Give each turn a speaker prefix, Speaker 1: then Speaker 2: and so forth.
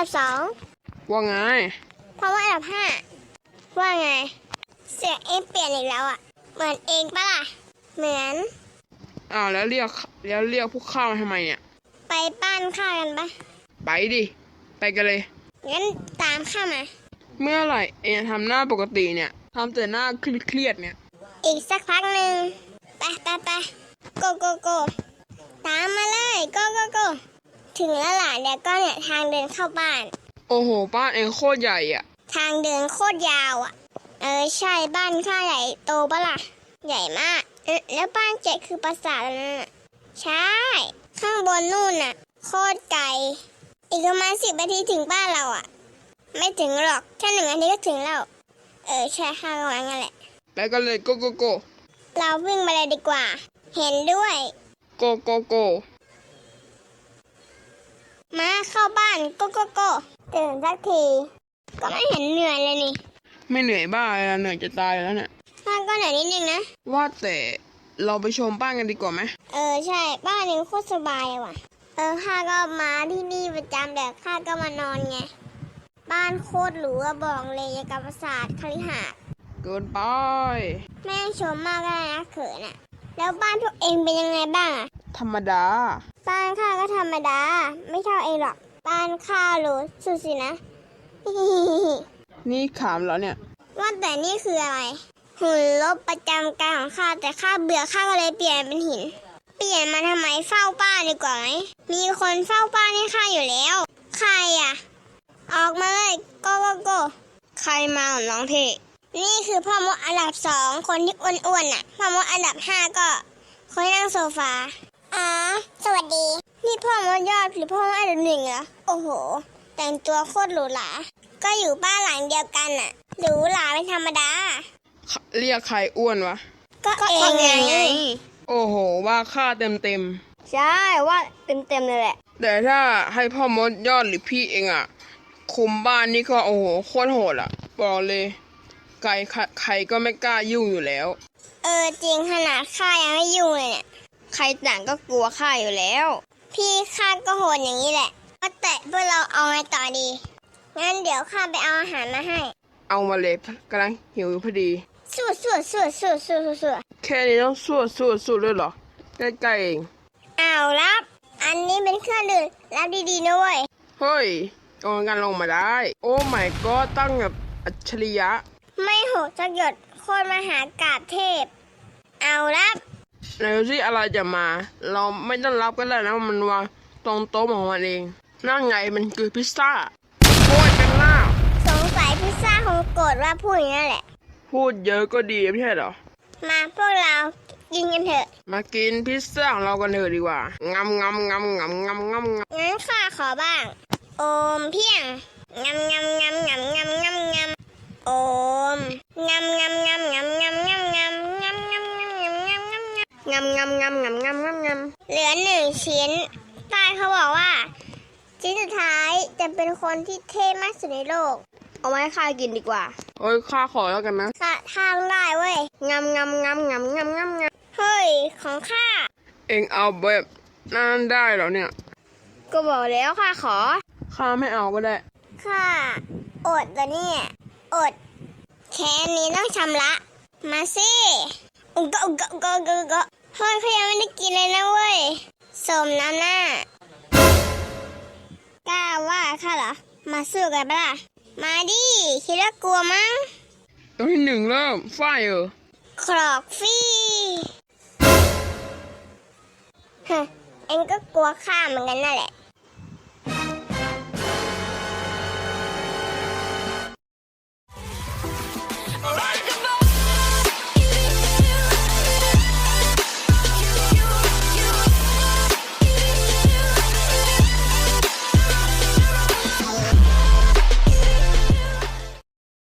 Speaker 1: ดับสอง
Speaker 2: ว่าไง
Speaker 1: เพราะว่าอันดับห้าว่าไงเสียงเองเปลี่ยนอีกแล้วอ่ะเหมือนเองปะล่ะเหมือน
Speaker 2: แล้วเรียกพวกข้ามาทำไมเนี่ย
Speaker 1: ไปบ้านข้ากันปะ
Speaker 2: ไปดิไปกันเลย
Speaker 1: งั้นตามข้ามา
Speaker 2: เมื่อไหร่เองทำหน้าปกติเนี่ยทำแต่หน้าเครียดเนี่ย
Speaker 1: อีกสักพักหนึ่งไปโกโกโกตามมาเลยโกโกโกถึงแล้วล่ะเดี๋ยวก็เนี่ยทางเดินเข้าบ้าน
Speaker 2: โอ้โหบ้านเองโคตรใหญ่อ่ะ
Speaker 1: ทางเดินโคตรยาวอ่ะใช่บ้านข้าใหญ่โตปะล่ะใหญ่มากแล้วบ้านเจ๊คือปราสาทนั่นน่ะใช่ข้างบนนู่นน่ะโคตรไกลอีกประมาณ10 นาทีถึงบ้านเราอ่ะไม่ถึงหรอกแค่1 นาทีก็ถึงแล้วใช่ข้าก็ว่างั้นแหละ
Speaker 2: ไปกันเลยโกโกโก
Speaker 1: เราวิ่งมาเลยดีกว่าเห็นด้วย
Speaker 2: โกโกโก
Speaker 1: มาเข้าบ้านโกโกโกตื่นสักทีก็ไม่เห็นเหนื่อยเลยนี่
Speaker 2: ไม่เหนื่อยบ้าเลยเหนื่อยจะตายแล้วเนี่ย
Speaker 1: บ้านก็เหนื่อยนิดนึงนะ
Speaker 2: ว่าแต่เราไปชมบ้านกันดีกว่าไหม
Speaker 1: ใช่บ้านนี้โคตรสบายเลยว่ะข้าก็มาที่นี่ประจำแต่ข้าก็มานอนไงบ้านโคตรหรูอะบอกเลยอย่างกับปราสาทคฤหาสน์
Speaker 2: เกินไป
Speaker 1: แม่ชมมากเลยนะเขินอะแล้วบ้านพวกเองเป็นยังไงบ้างอะ
Speaker 2: ธรรมดา
Speaker 1: บ้านข้าก็ธรรมดาไม่เท่าเองหรอกบ้านข้าหรูสุดสินะ
Speaker 2: นี่ขามแล้วเนี่ย
Speaker 1: ว่าแต่นี่คืออะไรหุ่นลบประจำการของข้าแต่ข้าเบื่อข้าก็เลยเปลี่ยนเป็นหินเปลี่ยนมาทำไมเฝ้าบ้านดีกว่าไหมมีคนเฝ้าบ้านให้ข้าอยู่แล้วใครอะออกมาเลยโกโกโก
Speaker 2: ใครมาน้องเท
Speaker 1: นี่คือพ่อมดอันดับ2คนที่อ้วนๆน่ะพ่อมดอันดับ5ก็คนที่นั่งโซฟาสวัสดีนี่พ่อมดยอดหรือพ่อมดอันดับ1เหรอโอ้โหแต่งตัวโคตรหรูหราก็อยู่บ้านหลังเดียวกันน่ะหรูหราเป็นธรรมดา
Speaker 2: เรียกใครอ้วนวะ
Speaker 1: ก็เองไง
Speaker 2: โอ้โหว่าค่าเต็ม
Speaker 1: ใช่ว่าเต็มเลยแหละ
Speaker 2: แต่ถ้าให้พ่อมดยอดหรือพี่เองอ่ะคุมบ้านนี่ก็โอ้โหโคตรโหดอ่ะบอกเลยใครก็ไม่กล้ายุ่งอยู่แล้ว
Speaker 1: จริงขนาดข้ายังไม่ยุ่งเลยเนี่ย
Speaker 2: ใครต่างก็กลัวข้าอยู่แล้ว
Speaker 1: พี่ข้าก็โหดอย่างนี้แหละก็แต่พวกเราเอาไงต่อดีงั้นเดี๋ยวข้าไปเอาอาหารมาให้
Speaker 2: เอามาเลยกำลังหิวพอดี
Speaker 1: สู้
Speaker 2: แค่นี้ต้องสู้ด้วยเหรอใกล้ๆเอง
Speaker 1: เอารับอันนี้เป็นเครื่องดื่มรับดีๆนะเว้ย
Speaker 2: เฮ้ยโอนกันลงมาได้โอ้ my god ตั้งแบบอัจฉริยะ
Speaker 1: ไม่โหดสักหยดโคตรมหากาพย์เทพเอารับ
Speaker 2: ไหนดูสิอะไรจะมาเราไม่ต้องรับก็ได้นะมันวางตรงโต๊ะของมันเองนั่นไงมันคือพิซซ่าโคตรกันหน้า
Speaker 1: สงสัยพิซซ่าคงโกรธว่าพูดอย่างนั้นแหละ
Speaker 2: พูดเยอะก็ดีไม่ใช่เหรอ
Speaker 1: มาพวกเรากินกันเถอะ
Speaker 2: มากินพิซซ่าของเรากันเถอะดีกว่างำ
Speaker 1: งั้นข้าขอบ้างโอมเพียงงำโอมงำเหลือ1 ชิ้นใต้เขาบอกว่าชิ้นสุดท้ายจะเป็นคนที่เท่มากสุดในโลกเอาไว้ข้ากินดีกว่า
Speaker 2: โอ้ยข้าขอแล้วกันนะ
Speaker 1: ข้าทางได้เว้ยงำเฮ้ยของข้า
Speaker 2: เอ็งเอาแบบนั้นได้เหรอเนี่ย
Speaker 1: ก็บอกแล้วข้าขอ
Speaker 2: ข้าไม่เอาก็ได้
Speaker 1: ข้าอดแล้วเนี่ยอดแค่นี้ต้องชำระมาสิก็เฮ้ยเขายังไม่ได้กินเลยนะเว้ยสมน้ำหน้ากล้าว่าข้าเหรอมาสู้กันปะล่ะมาดิคิดว่ากลัวมั้ง
Speaker 2: ตัวที่1เริ่มไฟ
Speaker 1: ครอกฟี่เอ็งก็กลัวข้าเหมือนกันนั่นแหละ